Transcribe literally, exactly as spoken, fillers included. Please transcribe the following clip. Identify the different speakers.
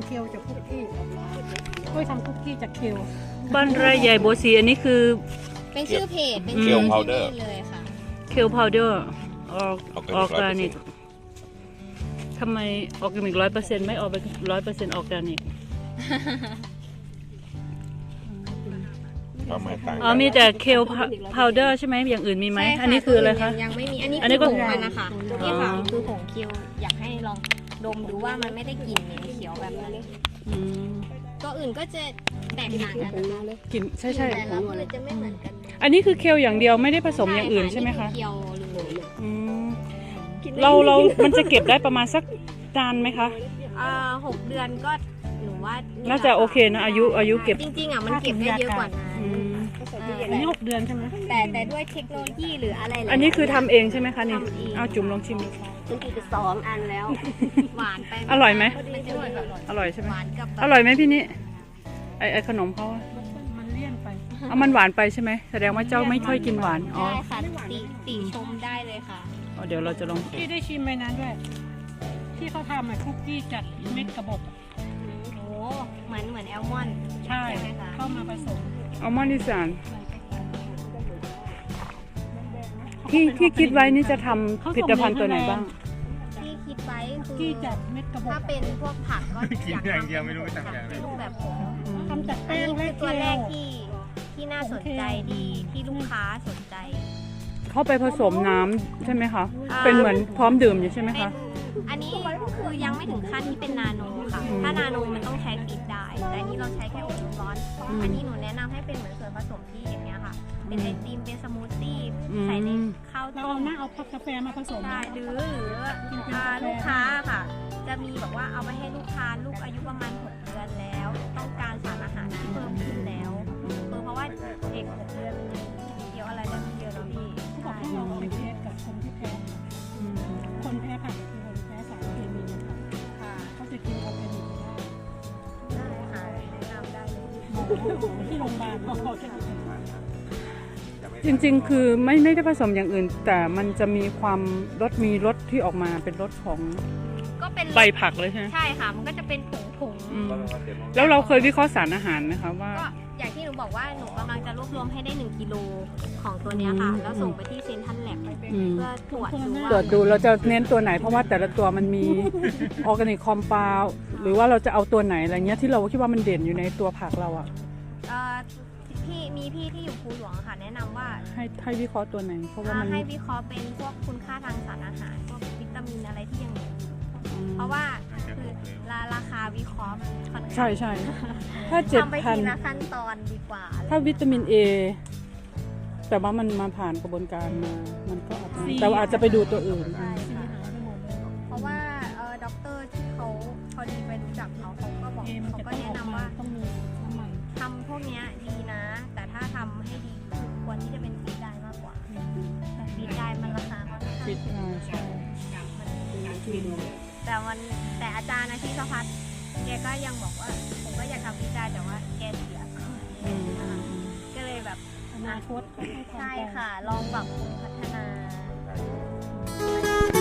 Speaker 1: เคลจากคุกกี้กล้วยทำคุกกี้จากเคล
Speaker 2: บ้านไร่ใหญ่โบสีอันนี้คือ
Speaker 3: เป็นชื่อเพจเป็น
Speaker 4: เค
Speaker 3: ชื่
Speaker 4: ล
Speaker 3: อ
Speaker 4: พาวเดอร์
Speaker 3: เลยค่ะ
Speaker 2: เคลพาวเดอร์ออออร์แกนิก
Speaker 4: ร้อยเปอร์เซ็นต์
Speaker 2: ทำไมออร์แกนิกร้อยเปอร์เซ็นต์ไม่ออกไปร้อยเปอร์เซ็นต์ออร์แกนิก
Speaker 4: ความหมายต่าง
Speaker 2: อ๋อมีแต่เคลพาวเดอร์ใช่ไหมอย่างอื่นมีไหมอันนี้คืออะไรคะ
Speaker 3: ยังไม่มีอันนี้
Speaker 2: อันนี้
Speaker 3: คือ
Speaker 2: ก็
Speaker 3: ผงมันนะคะนี่ค่ะ
Speaker 2: อ๋อ
Speaker 3: คือผงเคียวอยากให้ลองดมดูว่ามันไม่ได้กลิ่นเหม็นเขียวแบบนั้น
Speaker 2: อืม
Speaker 3: ตัวอื่นก็จะแตกต่างกันนะคะ
Speaker 2: กลิ่นใช่ใช่
Speaker 3: แต่ละคนจะไม่เหมือนกัน
Speaker 2: อันนี้คือเคลอย่างเดียวไม่ได้ผสมอย่างอื่นใช่ไหมคะ
Speaker 3: เคียวเลย
Speaker 2: อืมเราเรา มันจะเก็บได้ประมาณสักนานไหมคะ
Speaker 3: อ่าหกเดือนก็หนูว่า
Speaker 2: น่าจะโอเคนะอายุอายุเก็บ
Speaker 3: จริงๆอ่ะมันเก็บได้เยอะกว่านั้น
Speaker 2: อืม
Speaker 1: อันนี้หกเดือนใช่ไหม
Speaker 3: แต่แต่ด้วยเทคโนโลยีหรืออะไรหลายๆ
Speaker 2: อันนี้คือทำเองใช่ไหมคะนี่
Speaker 3: ทำเอง
Speaker 2: เอาจุ่มลองชิมดู
Speaker 3: มันกินไปสองอันแล้ว หวานไป
Speaker 2: อร่อยไหม
Speaker 3: มันจะหวานแบบ
Speaker 2: อร่อยใช่ไหม
Speaker 3: หวานกับแบบ
Speaker 2: อร่อยไหมพี่นี่ไอไอขนมเขาอะ
Speaker 1: มันเลี่ยนไป
Speaker 2: เอามันหวานไปใช่ไหมแสดงว่าเจ้าไม่ค่อยกินหวานอ๋อ
Speaker 3: ได้ค่ะติติชมได้เลยค่ะ
Speaker 2: อ๋อเดี๋ยวเราจะลอง
Speaker 1: ที่ได้ชิมไปนั้นด้วย ที่เขาทำอะคุกกี้จากเม็ดกระบอก
Speaker 3: โอ้เหมือนเหมือนแอลมอนด์
Speaker 1: ใช่
Speaker 3: ไหมคะ
Speaker 1: เข้ามาผสม
Speaker 2: อัลมอนด์อีสานที่ที่คิดไว้นี่จะทำผลิตภัณฑ์ตัวไหนบ้าง
Speaker 3: ที่คิดไว้
Speaker 1: คุก
Speaker 3: คือ
Speaker 1: กี้จากเม็ดกระบอก
Speaker 3: ถ้าเป็นพวกผักก็
Speaker 4: กิน
Speaker 3: อยาก
Speaker 4: อย่าง
Speaker 3: ทำ
Speaker 4: เดียวไม่รู้จะทำอย่างไร
Speaker 3: เป็นรูปแบบผง
Speaker 1: ทำจาก
Speaker 3: อัน
Speaker 1: แป้ง
Speaker 3: นี้
Speaker 1: และ
Speaker 3: คือ
Speaker 1: เค
Speaker 3: ตัวแร
Speaker 1: ล
Speaker 3: กที่ที่น่าสนใจดีที่ลูกค้าสนใจ
Speaker 2: เข้าไปผสมน้ำใช่ไหมคะ
Speaker 3: อ่า
Speaker 2: เป็นเหมือนพร้อมดื่มอยู่ใช่ไหม
Speaker 3: เป็น
Speaker 2: คะ
Speaker 3: อันนี้คือยังไม่ถึงขั้นที่เป็นนาโนค่ะ
Speaker 2: อืม
Speaker 3: ถ้านาโนมันต้องใช้ฟีดได้ แต่อันนี้เราใช้แค่อบร้อน
Speaker 2: อืม
Speaker 3: อันนี้หนูแนะนำให้เป็นเหมือนส่วนผสมที่อย่างเงี้ยค่ะ เป็นไอติม เป็นสมูทตี้
Speaker 2: อืม
Speaker 3: ใส่ในข้าว
Speaker 1: เรา
Speaker 3: ต้
Speaker 1: เอา
Speaker 3: ม
Speaker 1: หน้าเอาพักกาแฟมาผสม
Speaker 3: ได้หรือหรืออ่าลูกค้าค่ะ จะมีแบบว่าเอาไปให้ลูกค้าลูกอายุประมาณหกเดือนแล้ว ต้องการสารอาหารที่เพิ่มขึ้นแล้วคือเพราะว่าเด็กหกเดือนมันเกี่ยวอะไรได้ไม่เยอะแล้วพี่
Speaker 1: เขาบอก
Speaker 3: ใช่
Speaker 1: ให้เราเอาไปเทสกับคนที่แพ้
Speaker 2: อืม
Speaker 1: คนแพ้ผักคือคนแพ้สารเคมีนะคะ
Speaker 3: ค่ะ
Speaker 1: เขาจะกินออร์แกนิกไม่ได้
Speaker 3: ได้ค่ะแนะนำได้เลย
Speaker 1: หมอที่โรงพยาบาลเขาบอกจะกิน
Speaker 2: จริงๆ คือไม่ไม่ได้ผสมอย่างอื่น แต่มันจะมีความรสมีรสที่ออกมาเป็นรสของ
Speaker 3: ก็เป็น
Speaker 2: ใบผักเลยใช่ไหม
Speaker 3: ใช่ค่ะ มันก็จะเป็นผงผงๆ
Speaker 2: อืมแล้วเราเคยวิเคราะห์สารอาหารไหมคะว่า
Speaker 3: ก็อย่างที่หนูบอกว่าหนูกำลังจะรวบรวมให้ได้หนึ่งกิโลของตัวเนี้ยค่ะ
Speaker 2: อืม
Speaker 3: แล้วส่งไปที่เซนทรัลแลบ
Speaker 2: อืม
Speaker 3: เพื่อตรวจดูว่า
Speaker 2: ตรวจดูเราจะเน้นตัวไหน เพราะว่าแต่ละตัวมันมี ออร์แกนิกคอม u าวหรือว่าเราจะเอาตัวไหนอะไรเงี้ยที่เราคิดว่ามันเด่นอยู่ในตัวผักเราอะ
Speaker 3: เอ่อพี่มีพี่ที่อยู่ภูหลวงอะค่ะ แนะนำว่า
Speaker 2: ให้ให้วิเคราะห์ตัวไหน เพราะว่า
Speaker 3: อ่า
Speaker 2: มัน
Speaker 3: ให้วิเคราะห์เป็นพวกคุณค่าทางสารอาหารพวกวิตามินอะไรที่ยังเหลืออยู่
Speaker 2: อืม
Speaker 3: เพราะว่าคือราราคาวิเคราะห์ค่อนข้าง
Speaker 2: ใช่ใช่ถ้าเจ็ด
Speaker 3: ทำไป
Speaker 2: พัน
Speaker 3: ทีละขั้นตอนดีกว่า
Speaker 2: ถ้าวิตามินเอแต่ว่ามันมาผ่านกระบวนการมา มันก็อาจจะแต่ว่าอาจจะไปดูตัวอื่น
Speaker 3: ใช่ค่ะเพราะว่าเออด็อกเตอร์ที่เขาพอดีไปรู้จักเขาเขาก็บอก
Speaker 1: เอมัน
Speaker 3: เขา
Speaker 1: จะ
Speaker 3: ก็
Speaker 1: ต้อง
Speaker 3: แนะ
Speaker 1: ออก
Speaker 3: นำ
Speaker 1: มา
Speaker 3: ว่า
Speaker 1: ต้องมีน้ำมัน
Speaker 3: ทำพวกเนี้ยดีนะ แต่ถ้าทำให้ดีคือควรที่จะเป็นฟีดได้มากกว่าแต่ฟีดได้มันราคาค่อนข้าง
Speaker 2: ฟิตอ่าใช่
Speaker 3: แต่มันแต่อาจารย์นะที่สพัฒน์แกก็ยังบอกว่าผมก็อยากทำฟีดได้แต่ว่าแกเสีย
Speaker 2: อืม
Speaker 3: ก็เลยแบบ
Speaker 1: อนาคตเขาให้ความ
Speaker 3: ใช่
Speaker 1: แตก
Speaker 3: ค่ะ ลองแบบพัฒนา